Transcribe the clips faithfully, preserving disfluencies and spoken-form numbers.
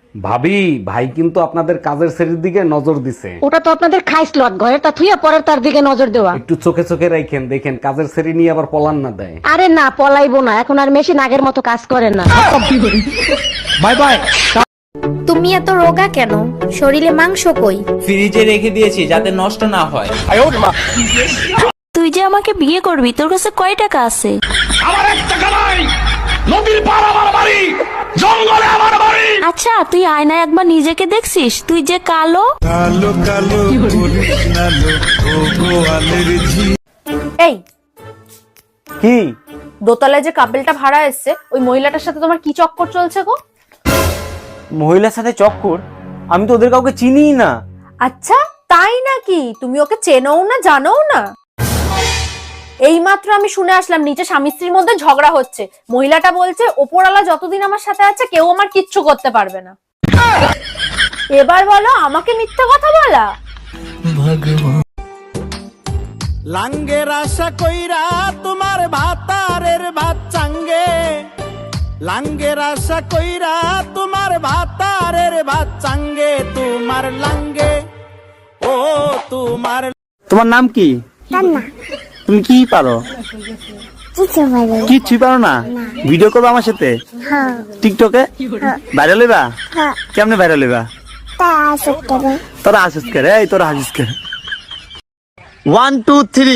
ভাবি, ভাই কিন্তু আপনাদের কাজের শ্রেণীর দিকে নজর দিছে। ওটা তো আপনাদের খাইস লট, ঘরে তা থুইয়া পরের তার দিকে নজর দেওয়া। একটু চোখে চোখে রাখেন, দেখেন কাজের শ্রেণী নিয়ে আবার পলান না দেয়। আরে না, পলাইবো না, এখন আর মেশিন আগের মতো কাজ করে না। Bye bye. তুমি এত রোগা কেন? শরীরে মাংস কই? ফ্রিজে রেখে দিয়েছি যাতে নষ্ট না হয়। তুই যে আমাকে বিয়ে করবি, তোর কাছে কয় টাকা আছে? আমার এক টাকা নাই, নদীর পার আমার বাড়ি, জঙ্গলে আমার বাড়ি। আচ্ছা, তুই আয়নায় একবার নিজেকে দেখছিস? তুই যে কালো কালো কালো করিস না লো, ও গোয়ালের ঝি। এই কি? দোতলায় যে কাপেলটা ভাড়া এসছে, ওই মহিলাটার সাথে তোমার কি চক্কর চলছে গো? মহিলার সাথে চক্কর? আমি তো ওদের কাউকে চিনিই না। আচ্ছা, তাই নাকি? তুমি ওকে চেনও না, জানো না? এইমাত্র আমি শুনে আসলাম নিচে স্বামী স্ত্রীর মধ্যে ঝগড়া হচ্ছে। মহিলাটা বলছে ওপরওয়ালা যতদিন আমার সাথে আছে কেউ আমার কিচ্ছু করতে পারবে না। এবার বলো, আমাকে মিথ্যা কথা বলা? লাঙ্গের আশা কইরা তোমার ভাতারের ভাত চাঙ্গে, লাঙ্গের আশা কইরা তোমার ভাতারের ভাত চাঙ্গে, তোমার লাঙ্গে ও তোমার। তোমার নাম কি? তুমি কি পারো? কিচ্ছু পারো না? ভিডিও করবো আমার সাথে টিকটকে? ভাইরাল হইবা? কেমনে ভাইরাল হইবা? তোরা হাসিস করে, এই তোরা হাসিস করে। One two three.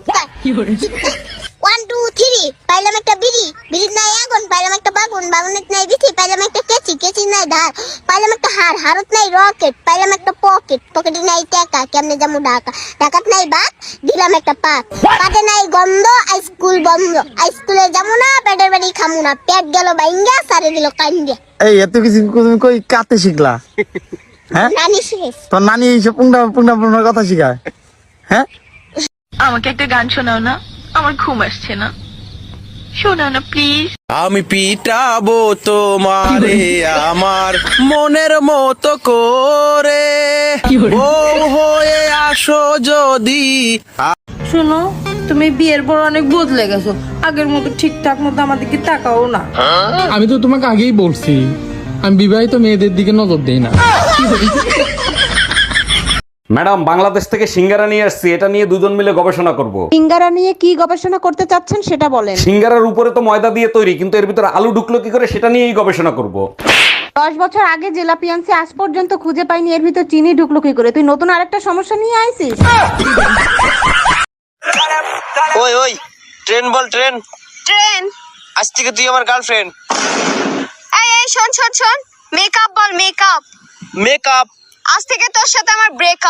One two three. পাইলাম একটা বিড়ি, বিড়ির নাই আগুন, পাইলাম একটা বাগুন, বাগুনের নাই বিথি, পাইলাম একটা কেচি, কেচি নাই ধার, পাইলাম একটা হার, হারত নাই রকেট, পাইলাম একটা পকেট, পকেটে নাই টাকা, কেমনে যাবো ঢাকা, ঢাকাত নাই বাত, দিলাম একটা পাত, পাতে নাই গন্ধ, স্কুল বন্ধ, স্কুলে যাবো না, পেটের বাড়ি খামু না, পেট গেল বাইঙ্গা, সারে দিল কান্দিয়া। এই এত কিছু তুমি কই কাতে শিখলা? হ্যাঁ, নানি শেষ। তোর নানি এইসব পুংটা পুংটা পুংটার কথা শিখায়? হ্যাঁ, আমাকে একটা গান শোনাও না, আমার ঘুম আসছে না, শোনাও না প্লিজ। আমি পিটাবো তোমারে আমার মনের মতো করে, বউ হয়ে আসো যদি। শুনো, তুমি বিয়ের পর অনেক বদলে গেছো, আগের মতো ঠিকঠাক মতো আমাদেরকে তাকাও না। আমি তো তোমাকে আগেই বলছি, আমি বিবাহিত মেয়েদের দিকে নজর দেই না। ম্যাডাম, বাংলাদেশ থেকে সিঙ্গারা নিয়ে আসছি, এটা নিয়ে দুজন মিলে গবেষণা করব। সিঙ্গারা নিয়ে কি গবেষণা করতে চাচ্ছেন সেটা বলেন। সিঙ্গারার উপরে তো ময়দা দিয়ে তৈরি, কিন্তু এর ভিতরে আলু ঢুকলো কি করে সেটা নিয়েই গবেষণা করব। দশ বছর আগে জেলাপি আনছি, আজ পর্যন্ত খুঁজে পাইনি এর ভিতর চিনি ঢুকলো কি করে। তুই নতুন আরেকটা সমস্যা নিয়ে আইছিস। ওই ওই ট্রেন বল, ট্রেন। ট্রেন। আজ থেকে তুই আমার গার্লফ্রেন্ড। এই এই শোন শোন শোন, মেকআপ বল, মেকআপ। মেকআপ। আজ থেকে তোর সাথে আমার ব্রেকআপ।